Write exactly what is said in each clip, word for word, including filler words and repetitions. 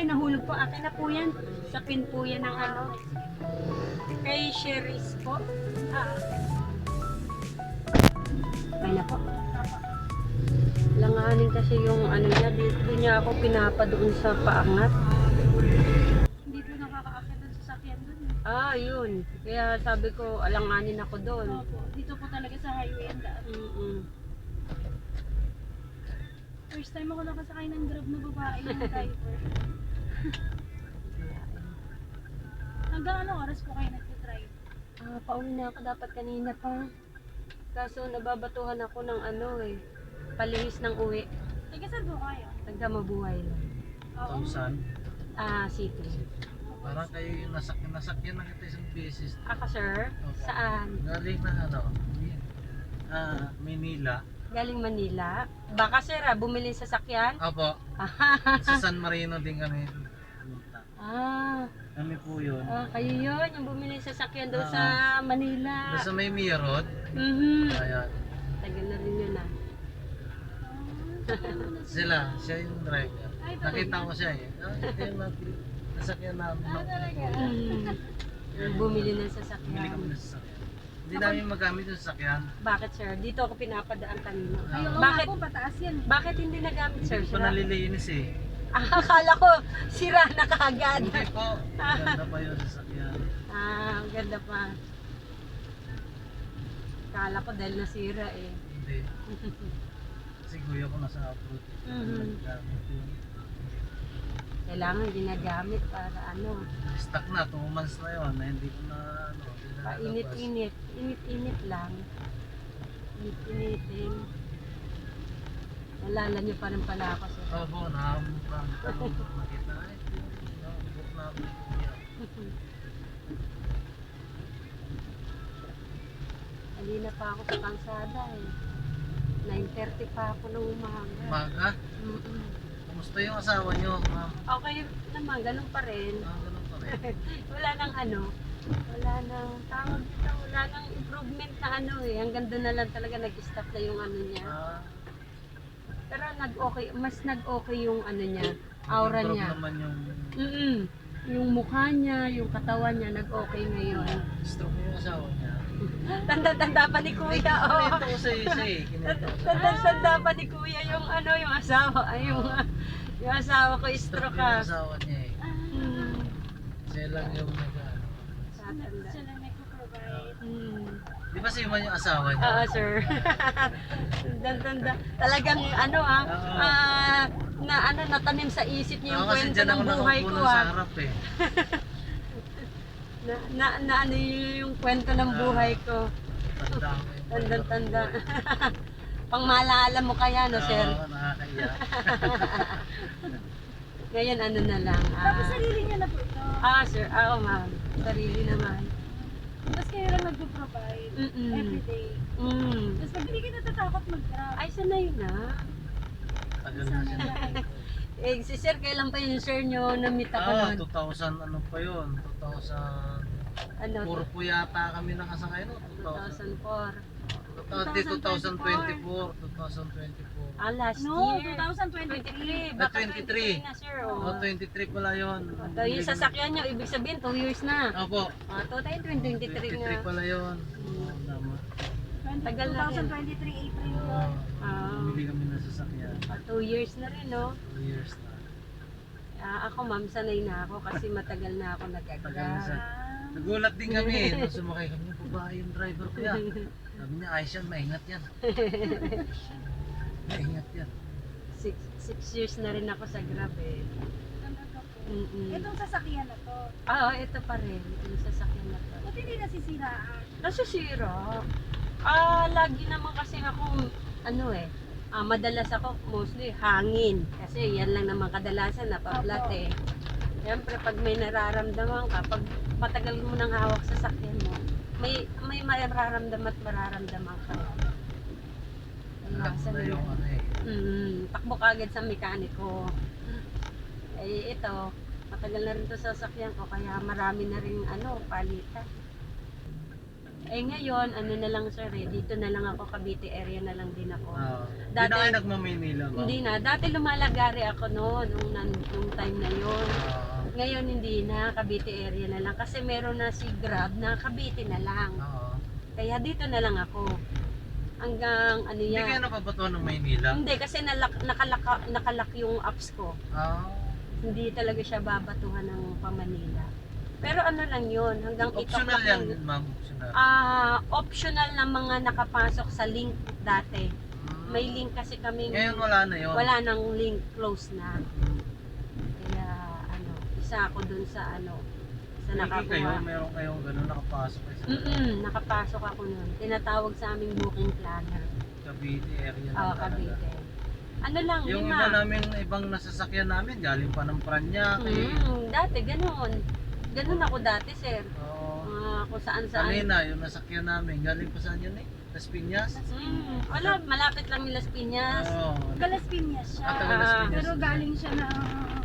Ay, nahulog po. Akin na po yan. Sa pin po yan ng ano. Kay Cherise po. Ah. Okay na po. Langanin kasi yung ano niya. Dito niya ako pinapa doon sa paangat. Hindi doon nakakaakit ng sasakyan doon. Ah, yun. Kaya sabi ko, alanganin ako doon. Opo. Dito po talaga sa highway ang daan. Mm-mm. First time ako nakasakay ng Grab na babae ng driver. Hanggang anong oras po kayo nagtitrive? Ah, pauwi na ako dapat kanina pa. Kaso nababatuhan ako ng ano eh. Palihis ng uwi. Taga saan po kayo? Tagka mabuhay lang. Oo. Thousand. Ah, city. Parang kayo yung nasakyan, nasakyan na kita isang beses. Ako sir? Opo. Saan? Galing na ano, ah, Manila. Galing Manila. Baka sir ah, bumili sa sakyan? Opo, sa San Marino din kami pumunta. Ah, Kami po yun. ah, kayo yun, yung bumili sa sakyan doon Ah. sa Manila. Basta may Mia Road. Mhm. Ayan. Tagal na rin yun ah. Sila, siya yung driver. Ay, talaga? Nakita ko siya eh. Ah, ito yung nag- nasakyan namin. Ah, talaga? Mhm. Yung bumili ng Bumili sasakyan. kami ng sasakyan. Hindi namin magamit yung sasakyan. Bakit sir? Dito ako pinapadaan kanina. Ay, oo Bakit? nga po, pataas yan. Bakit hindi nagamit sir? Hindi ko Sira? nalilinis eh. Ah, akala ko sira na kaagad. Hindi po. Ganda pa yung sasakyan. Ah, ang ganda pa. Akala ko dahil nasira eh. Hindi. Kasi kuya ko nasa abroad. Mhm. Gamit yun. Kailangan ginagamit para ano, Stuck na, two months na yun na hindi ko na ano. hindi na nalabas. painit-init. Init-init lang. Init-initin. Nalala niyo pa rin pala ako sir. Oo po, nahampan. Tanong makita. Ay, nakabuk na ako ni kuya. Halina pa ako sa kansada eh. nine thirty pa ako nung umaga. Maga, Mm-mm. kumusta yung asawa nyo, ma'am? Okay naman, ganun pa rin. Ah, ganun pa rin. Wala nang ano, wala nang tawag dito, wala nang improvement na ano eh. Hanggang doon na lang talaga nag-stop na yung ano niya. Ah, Pero nag-okay, mas nag-okay yung ano niya, aura nag-improve niya. naman yung Mm Yung mukha niya, yung katawan niya, nag-okay ngayon. stroke yung asawa niya. Tanda-tanda pa ni Kuya, oh. Kinento ko sa isa eh. Kinento ko. Tanda-tanda pa ni Kuya yung ano, yung asawa, ay yung, yung asawa ko, stroke Stroke ka. yung asawa niya eh. Mm. Siya lang yung nag ano. Tatanda. Sila nagpo-provide. Mm. Di ba si Iman yung asawa niya? Oo, sir. Tanda-tanda. Talagang ano ah, Oo. ah, na ano, natanim sa isip niya yung Ako kasi kwento dyan ng ako buhay nakaupo ko nun sa ah. harap eh. Na, na, na ano yun yung kwento ng buhay ko. Tanda ko yung Tanda-tanda. Pang maalala mo kaya, no, sir? Oo, nakakaiya. Ngayon, ano na lang. ah, Tapos sarili niya na po ito. ah, sir. Ah, oh, ma'am. Sarili naman. Tapos kayo lang nagpo-provide. Mm-mm. Everyday. Mm. Tapos pag hindi ka natatakot mag-grab. Ay, sanay na. Tagal na siya. Eh, si sir, kailan pa yung sir nyo na-meet ako Ah, nun? two thousand ano pa yun? two thousand Ano? four po yata kami nakasakay no? two thousand. two thousand four. two thousand twenty-four. two thousand twenty-four. Ah, last No, year. twenty twenty-three. Baka Ah, twenty-three. na, sir. Oh, Oh. twenty-three pala yun. So, yung sasakyan nyo, ibig sabihin, two years na. Opo. Ah, two thousand twenty-three twenty-three nga. pala yun. Oo, tama. Tagal na rin. twenty twenty-three April Oo. yun. Ah, Bumili kami ng sasakyan. ah, two years na rin, no? Two years na. Ah, ako, ma'am, sanay na ako kasi matagal na ako Tagal na nag-agra. sa... Nagulat din kami. Nung sumakay kami yung babae yung driver ko yan. Sabi niya, ayos yan, maingat yan. Maingat yan. Six, six years na rin ako sa Grab eh. Talaga po. Mm-mm. Itong sasakyan na to. Ah, oh, ito pa rin. Yung sasakyan na to. Ba't hindi nasisiraan? Nasisira. Ah, lagi naman kasi akong, ano eh, ah, madalas ako mostly hangin. Kasi yan lang naman kadalasan na pablat Opo. eh. Siyempre, pag may nararamdaman ka, pag matagal mo nang hawak sa sakyan mo, may may mararamdaman at mararamdaman ka. Alam Iwasan na mo yung yan. ano eh. Mm, takbo ka agad sa mekaniko. Eh, ito, matagal na rin to sa sasakyan ko, kaya marami na rin ano, palitan. Eh ngayon, ano na lang sir eh, dito na lang ako, Cavite area na lang din ako. Ah, Hindi Dati- na kayo nagmamaynila ba? Hindi na, dati lumalagari ako noon, nung, nan- nung time na yon. Ah, Ngayon hindi na, Cavite area na lang. Kasi meron na si Grab na Cavite na lang. oo. Kaya dito na lang ako. Hanggang ano Hindi kayo yan. napapatuan ng Maynila? Hindi, kasi nalak, nakalaka, nakalak yung apps ko. Ah, Hindi talaga siya babatuhan ng pa-Manila. Pero ano lang yun, hanggang optional itok yan, lang- ma'am. Optional. Ah, optional na mga nakapasok sa link dati. Hmm. May link kasi kaming Ngayon wala na yun. wala nang link, close na. Kaya ano, isa ako dun sa ano, sa Hindi kayo, nakakuha. meron kayong gano'n nakapasok kayo sa Mm nakapasok ako nun. Tinatawag sa aming booking planner. Cavite area na Oo, talaga. Cavite. Ano lang, Yung lima. iba namin, ibang nasasakyan namin, galing pa ng Paranaque. Mm, dati, ganun. Ganun ako dati, sir. Oo. Ah, kung saan saan. Kanina, yung nasakyan namin, galing pa saan yun eh? Las Piñas? Mm, wala, malapit lang ni Las Piñas. Oo. Galas Piñas siya. Ah, taga Las Ah, Piñas. Pero galing siya ng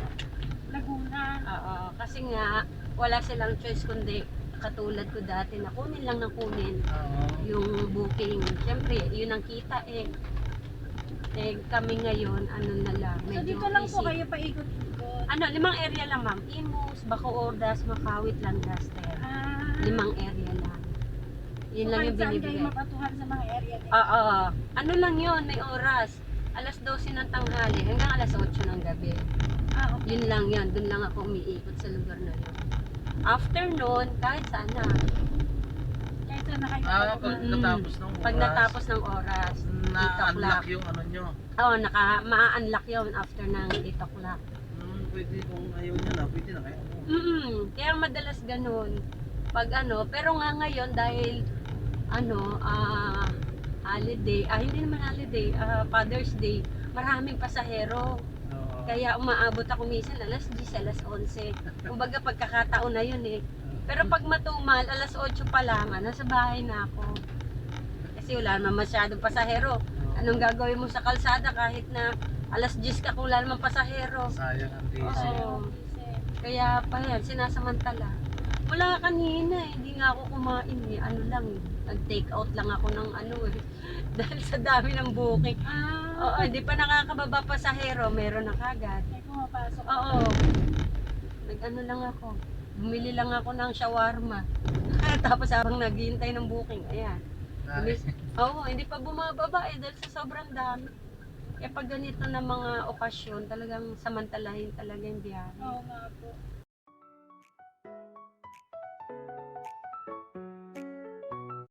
Laguna. Oo, kasi nga, wala silang choice kundi katulad ko dati na kunin lang ng kunin Oo. yung booking. Siyempre, yun ang kita eh. Eh, kami ngayon, ano na lang, So medyo dito lang po easy. kayo paikot-ikot. Ano, limang area lang ma'am. Imus, Bacoordas, Makawit, Lancaster. Ah, Limang area lang. Yun so lang kahit yung saan kayo binibigay. mapatuhan sa mga area din. Oo. Ano lang yun, may oras. alas dose ng tanghali hanggang alas otso ng gabi. Ah, okay. Yun lang yun. Doon lang ako umiikot sa lugar na yun. After noon, kahit saan na. Kahit saan na kayo Ah, mapatuhan. pag Mm-mm. natapos ng oras, Pag natapos ng oras, na-unlock yung ano nyo. oh, naka, ma-unlock yun after ng eight o'clock. Hmm, pwede kung ayaw nyo na, pwede na kayo. Mm Kaya madalas ganun. Pag ano, pero nga ngayon dahil ano, ah holiday, ah hindi naman holiday, ah Father's Day, maraming pasahero. Oo. Kaya umaabot ako minsan alas diyes, alas onse. Kumbaga pagkakataon na yun eh. Pero pag matumal, alas otso pa lang, ah, nasa bahay na ako. Kasi wala naman masyadong pasahero. Anong gagawin mo sa kalsada kahit na alas diyes ka kung wala naman pasahero? Sayang ang diesel. Oo. Kaya pa yan, sinasamantala. Wala kanina eh, hindi nga ako kumain eh. Ano lang eh, nag-take out lang ako ng ano eh. Dahil sa dami ng booking. Ah, Oo, hindi pa nakakababa pasahero, meron na kagad. may pumapasok. Oo. Nag-ano lang ako. Bumili lang ako ng shawarma. Tapos habang naghihintay ng booking, ayan. Dahil- Oo, hindi pa bumababa eh dahil sa sobrang dami. Kaya pag ganito na mga okasyon, talagang samantalahin talaga yung biyahe. Oo nga po.